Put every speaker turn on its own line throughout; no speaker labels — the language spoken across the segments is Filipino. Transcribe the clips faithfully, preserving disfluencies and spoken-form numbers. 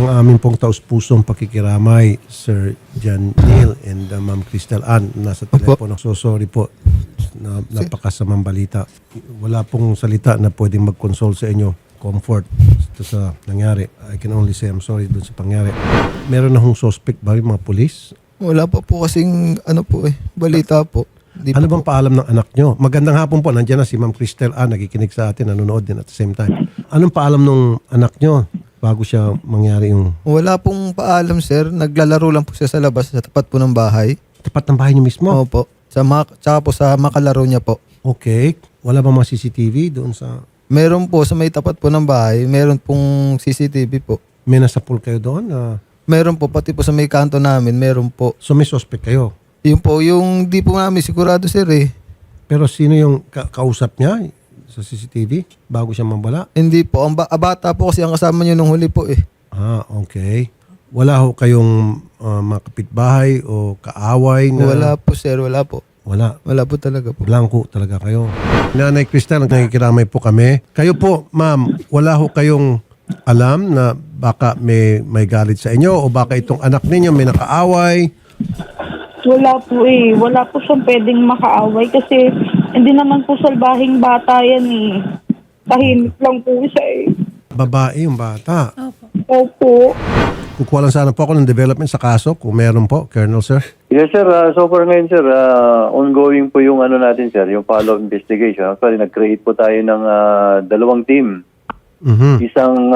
aming pong taus-pusong pakikiramay, Sir John Neil and uh, Ma'am Crystal Ann. Nasa telepono. So sorry po na napakasamang balita. Wala pong salita na pwedeng mag-console sa inyo. Comfort ito sa nangyari. I can only say I'm sorry dun sa pangyari. Meron na hong suspect ba yung mga polis?
Wala pa po kasing ano po eh, balita po. Di
Ano
pa
bang
po.
paalam ng anak nyo? Magandang hapon po. Nandiyan na si Ma'am Crystal Ann. Nakikinig sa atin. Nanonood din at the same time. Anong paalam ng anak nyo bago siya mangyari yung
Wala pong paalam sir, naglalaro lang po siya sa labas sa tapat po ng bahay.
tapat ng bahay nyo mismo?
Opo. Sa mak tsaka po sa makalaro niya po.
Okay. Wala ba mga C C T V doon sa...
Meron po sa may tapat po ng bahay, meron pong C C T V po.
May nasa pool kayo doon? Ah,
Meron po pati po sa may kanto namin, meron po.
so may suspect kayo?
Yun po, yung di po namin sigurado sir eh.
Pero sino yung ka- kausap niya sa C C T V bago siya mambala?
Hindi po, ang ba- ah, bata po kasi ang kasama niyo nung huli po eh.
Ah, okay. Wala ho kayong ah, mga kapitbahay o kaaway na...
Wala po sir, wala po.
Wala.
Wala po talaga po.
Blanco talaga kayo. Nanay Cristal, nakikiramay po kami. Kayo po, ma'am, wala ho kayong alam na baka may, may galit sa inyo o baka itong anak ninyo may nakaaway?
Wala po eh. Wala po siyang pwedeng makaaway kasi hindi naman po salbahing bata yan eh. Tahimik lang po siya eh.
Babae yung bata.
Opo.
Kukuha lang sana po ako ng development sa kaso kung meron po, Colonel Sir.
Yes sir, uh, so far ngayon sir, uh, ongoing po yung ano natin sir, yung follow-up investigation. Actually, nag-create po tayo ng uh, dalawang team.
Mhm.
Isang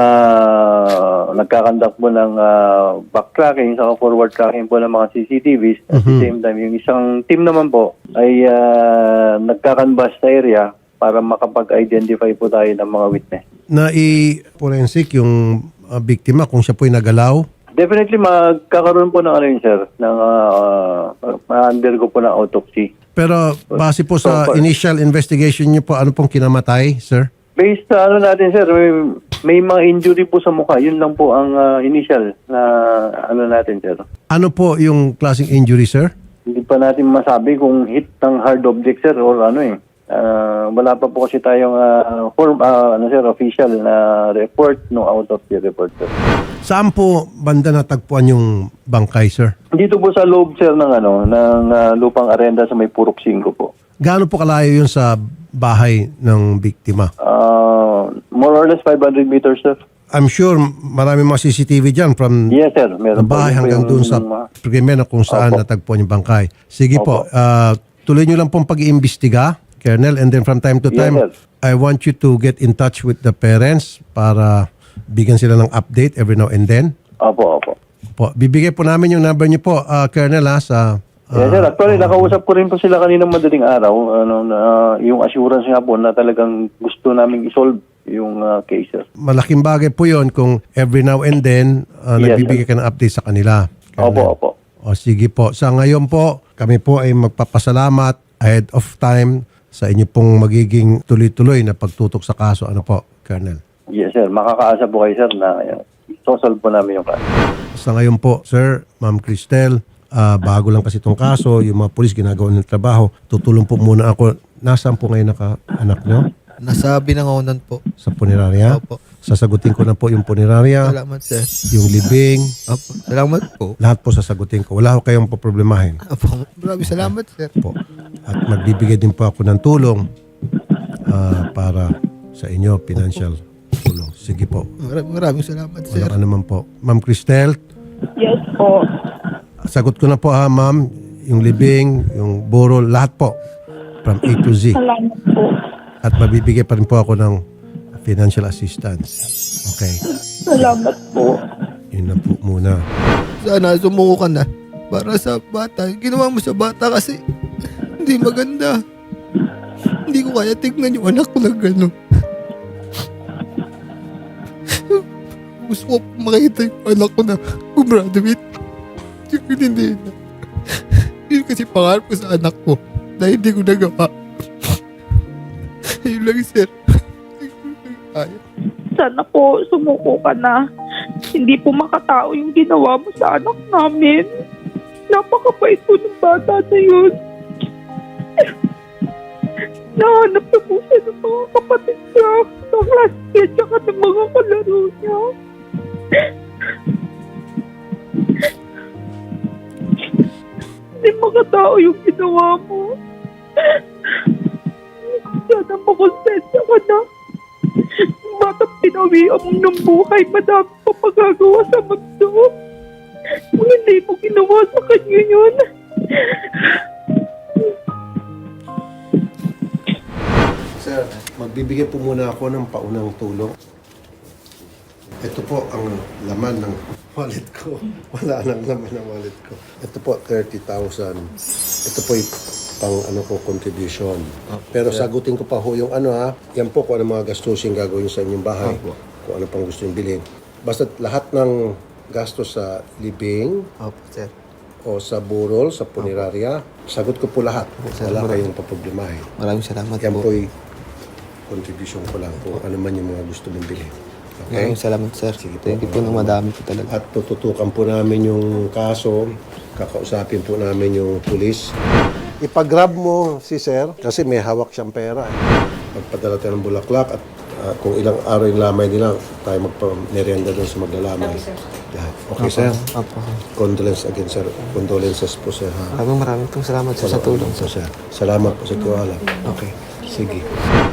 uh, nagkakandak po ng uh, backtracking, isang forward tracking po ng mga C C T Vs. At the same time, yung isang team naman po ay uh, nagkakanvas sa area para makapag-identify po tayo ng mga witness.
Na i-forensic yung uh, biktima kung siya po'y nagalaw.
Definitely magkakaroon po ng ano yun sir, ng uh, ma-undergo po ng autopsy.
Pero base po sa
So far-
initial investigation niyo po, ano pong kinamatay, sir?
Based sa ano natin sir, may, may mga injury po sa mukha. Yun lang po ang uh, initial na ano natin sir.
Ano po yung klaseng injury, sir?
Hindi pa natin masabi kung hit ng hard object sir or ano eh. Uh, wala pa po kasi tayong uh, form, uh, ano sir, official na report no autopsy report sir.
Saan po banda natagpuan yung bangkay, sir?
Dito po sa loob sir ng ano ng uh, lupang arenda sa may Purok cinco po.
Gaano po kalayo yun sa bahay ng biktima?
Uh, more or less five hundred meters sir.
I'm sure marami mga C C T V dyan from
Yes sir, meron
ang bahay
po. Yun po
hanggang
yung-
doon sa
yung, uh,
krimen na kung saan
Opo.
natagpuan yung bangkay. Sige po,
Opo.
ah, tuloy nyo lang pong pag-iimbestiga, Colonel, and then from time to
Yes,
time,
sir.
I want you to get in touch with the parents para bigyan sila ng update every now and then.
Opo, opo.
Po, bibigay po namin yung number niyo po, ah, Colonel, ha, sa... ah,
Yes, sir. Actually, nakausap ko rin po sila kaninang madaling araw. Ano, na, yung assurance nga po na talagang gusto namin isolve yung uh, case, sir.
malaking bagay po yon kung every now and then ah,
Yes,
nagbibigay ka ng update sa kanila.
Opo, opo.
O sige po. Sa ngayon po, kami po ay magpapasalamat ahead of time sa inyo pong magiging tuloy-tuloy na pagtutok sa kaso. Ano po, Colonel?
Yes, sir. Makakaasa po kayo, sir, na uh, isosolve po namin yung kaso.
Sa ngayon po, Sir, Ma'am Cristel, ah, bago lang kasi itong kaso, yung mga polis ginagawa ng trabaho, tutulong po muna ako. Nasaan po ngayon naka-anak nyo?
Nasa binangonan po.
Sa punerarya?
Opo.
Sasagutin ko na po yung punerarya,
Salamat sir.
yung libing,
Opo. Salamat po.
lahat po sasagutin ko. Wala ko kayong poproblemahin
Opo. Maraming salamat sir.
po. At magbibigay din po ako ng tulong ah, para sa inyo, financial tulong. Sige po.
Maraming, maraming salamat sir.
Walang ano man po. Ma'am Cristel,
Yes po.
sagot ko na po ha, ma'am. Yung libing, yung burol, lahat po. From A to Z.
Salamat po.
At mabibigay pa rin po ako ng financial assistance. Okay.
Salamat po.
Yun na po muna.
Sana sumuko ka na. Para sa bata. Ginawa mo sa bata kasi hindi maganda. Hindi ko kaya tignan yung anak ko na gano'n. Gusto ko makita yung anak ko na gumraduate. Yung hindi na. Yun kasi pangarap ko sa anak ko na hindi ko nagawa. Yun lang sir. Kaya.
Sana po sumuko ka na. Hindi po makatao yung ginawa mo sa anak namin. Napakabait po ng bata na yun. Nahanap na po siya ng mga kapatid niya, ng classmate, tsaka ng mga kalaro niya. ginawa mo. Sana makonsensya ka na. Batang pinawian mo ng buhay, madami pa pagagawa sa mundo. Kung hindi mo ginawa sa kanya yun.
Sir, magbibigay po muna ako ng paunang tulong. Ito po ang laman ng wallet ko. Wala nang laman ng wallet ko. Ito po, thirty thousand. Ito po yung pang ano ko, contribution. Pero sagutin ko pa ho yung ano ha. Yan po kung ano mga gastusin gagawin sa inyong bahay. Kung ano pang gusto yung bilhin. Basta lahat ng gastos sa living
Opo, sir.
o sa burol, sa punerarya, sagot ko po lahat.
sir.
Wala kayong paproblemahin.
Maraming salamat
Yan
po.
po yung contribution ko lang kung ano man yung mga gusto mong bilhin. Okay?
Maraming salamat, sir.
Sige po.
Thank you po ng madami po talaga.
At tututukan po namin yung kaso, kakausapin po namin yung pulis. Ipag-grab mo si sir kasi may hawak siyang pera. Eh. Magpadala tayo ng bulaklak at ah, kung ilang araw yung lamay nila, tayo magpa-merienda doon sa maglalamay. Lahat. Okay, sir?
Opo.
Condolence again, sir. Condolences po, sir. Ha?
Maraming maraming pong salamat sir, sa tulong,
po,
sir.
sir. Salamat po sa tiwala.
Okay.
Sige.